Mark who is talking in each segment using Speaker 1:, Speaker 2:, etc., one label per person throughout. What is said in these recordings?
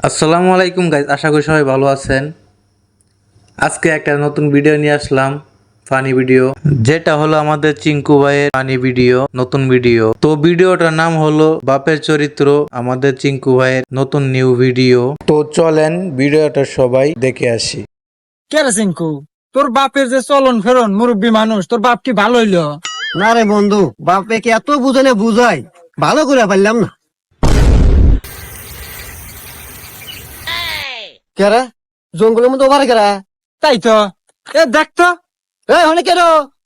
Speaker 1: আসসালামু আলাইকুম গাইজ, আশা করি সবাই ভালো আছেন। আজকে একটা নতুন ভিডিও নিয়ে আসলাম, ফানি ভিডিও, যেটা হলো আমাদের চিঙ্কু ভাইয়ের ফানি ভিডিও, নতুন ভিডিও। তো ভিডিওটার নাম হলো বাপের চরিত্র, আমাদের চিঙ্কু ভাইয়ের নতুন নিউ ভিডিও। তো চলেন ভিডিওটা সবাই দেখে আসি।
Speaker 2: কে রে সিংকু, তোর বাপের যে চলন ফেরন মুরব্বী মানুষ, তোর বাপ কি ভালো হইলো?
Speaker 3: না রে বন্ধু, বাপে কি এত বুঝালে বুঝাই ভালো করে পারলাম না। কেরা জঙ্গলের মধ্যে ওভার কেরা?
Speaker 2: তাই তো, এ দেখ তো,
Speaker 3: এই হনে কেন?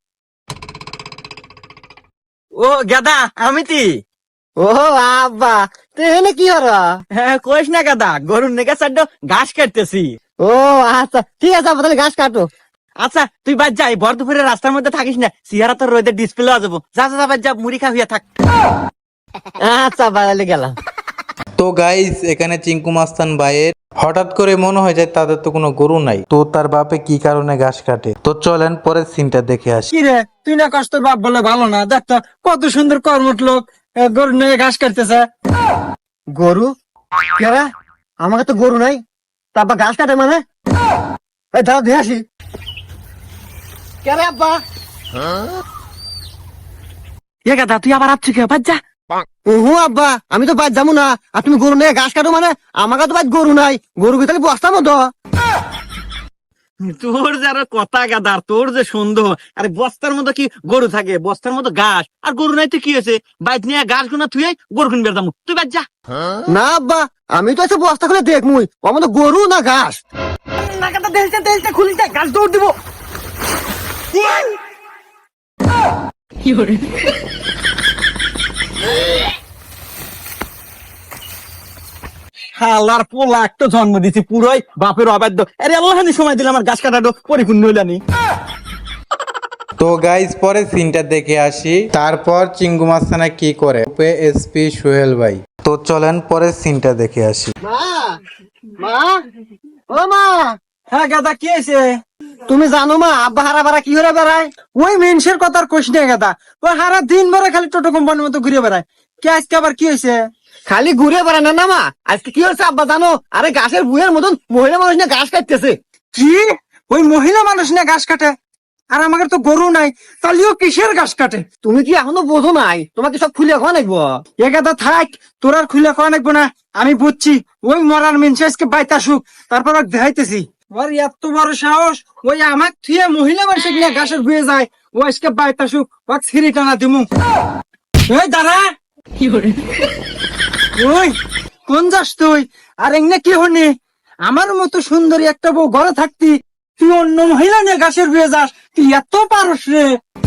Speaker 2: ও গাদা আমি তি।
Speaker 3: ও আব্বা, তুই এনে কি হরা?
Speaker 2: হ্যাঁ কইস না গাদা, গরুর নেগা সাইড ঘাস কাটতেছি।
Speaker 3: ও আচ্ছা ঠিক আছে আব্বা, তাহলে ঘাস কাটো।
Speaker 2: আচ্ছা তুই বাদ যাই, ভর দুপুরে রাস্তার মধ্যে থাকিস না, সিহারা তোর রোদের ডিসপ্লে যাবো। যা যা যা, বাদ যা, মুড়ি খা হইয়া থাক।
Speaker 3: আচ্ছা আব্বা, তাহলে গেলাম।
Speaker 1: তো গাইজ, এখানে চিঙ্কু মাস্তান ভাইয়ের হঠাৎ করে মনে হয় যে তাদের তো কোনো গরু নাই, তো তার বাপে কি কারণে ঘাস কাটে। তো চলেন পরের সিনটা দেখে আসি।
Speaker 2: কি রে, তুই না কষ্ট, তোর বাপ বলে ভালো না? দেখ তো কত সুন্দর কর্মঠ লোক, গরুর নেগে ঘাস কাটতেছে।
Speaker 3: গরু? কেরা? আমাকে তো গরু নাই, তা আব্বা ঘাস কাটে মানে? এই দাঁড়া দিয়ে আসি। কেরে আব্বা?
Speaker 2: এ গাদা তুই আবার আসছিস কে? বাদ যা।
Speaker 3: ওহো আব্বা, আমি তো বাদ যাবো না। আর তুমি গরু নিয়ে ঘাস কাটো মানে? আমাকে তো বাদ গরু নাই, গরু কি তাহলে বস্তার মতো?
Speaker 2: তোর যারা কথা গাদার, তোর যে সুন্দর, আরে বস্তার মতো কি গরু থাকে? বস্তার মতো ঘাস, আর গরু নাই তো কি হয়েছে? বাইক নিয়ে ঘাস গুনা তুই গরু কিনবে দাম, তুই বাদ যা।
Speaker 3: না আব্বা, আমি তো এসে বস্তা খুলে দেখমুই আমার তো গরু না ঘাস।
Speaker 2: না গাদা, দেলটা খুলিস, ঘাস দৌড় দিব। শালার পোলা একটা জন্ম দিছি, পুরোই বাপের অবাধ্য। আরে আল্লাহানি সময় দিলে আমার গাছ কাটাটো পরিপূর্ণ হইলানি।
Speaker 1: তো গাইজ পরের সিনটা দেখে আসি, তারপর চিঙ্কু মাস্তানা কি করে এসপি সোহেল ভাই। তো চলেন পরের সিনটা দেখে আসি।
Speaker 3: মা, মা, ও মা,
Speaker 2: হ্যাঁ গাদা কি হয়েছে?
Speaker 3: তুমি জানো মা আব্বা হারা বারা কি করে বেড়ায়?
Speaker 2: ওই মেনসের কথা আর কইস না গাদা, ও সারা দিন ভরে খালি টোটো কোম্পানির মতো ঘুরে বেড়ায়। কে আজকে আবার কি হয়েছে?
Speaker 3: খালি ঘুরে বেড়ায় না না মা, আজকে কি হয়েছে আব্বা জানো? আরে ঘাসের বুয়ের মতন মহিলা মানুষ না ঘাস কাটতেছে।
Speaker 2: কি? ওই মহিলা মানুষ না ঘাস কাটে? আর আমাদের তো গরু নাই, তাহলেও কিসের ঘাস কাটে?
Speaker 3: তুমি কি এখনো বোঝো নাই? তোমাকে সব খুলে খাওয়া লাগবো।
Speaker 2: এ গাদা থাক, তোর আর খুলে খাওয়া লাগবো না, আমি বুঝছি। ওই মরার মেনসে আজকে বাইতে আসুক, তারপর আর দেখাইতেছি। ওর এত বড় সাহস, ওই আমার থুয়ে মহিলা মানুষ কিনা ঘাসের বুয়ে যায়, ও আজকে বাইতে আসুক, ও ছিঁড়ি টানা দিমু। ওই দাঁড়া, ওই কোন যাস তুই? আর এমনি কি হনি? আমার মতো সুন্দরী একটা বউ ঘরে থাকতি, তুই অন্য মহিলা নিয়ে ঘাসের বুয়ে যাস? তুই এত পারস রে?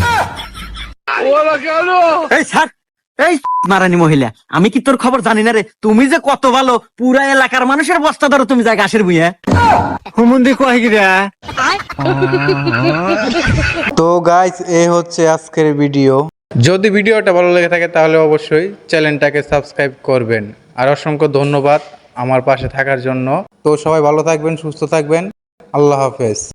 Speaker 2: এই ছাড়, এই মারানি মহিলা, আমি কি তোর খবর জানি না রে? তুমি যে কত ভালো, পুরা এলাকার মানুষের বস্তা ধরো তুমি যায় ঘাসের বুয়ে।
Speaker 3: হুমন্দি কয় গিরা?
Speaker 1: তো গাইস, এই হচ্ছে আজকের ভিডিও। যদি ভিডিওটা ভালো লেগে থাকে তাহলে অবশ্যই চ্যানেলটাকে সাবস্ক্রাইব করবেন। আর অসংখ্য ধন্যবাদ আমার পাশে থাকার জন্য। তো সবাই ভালো থাকবেন, সুস্থ থাকবেন। আল্লাহ হাফেজ।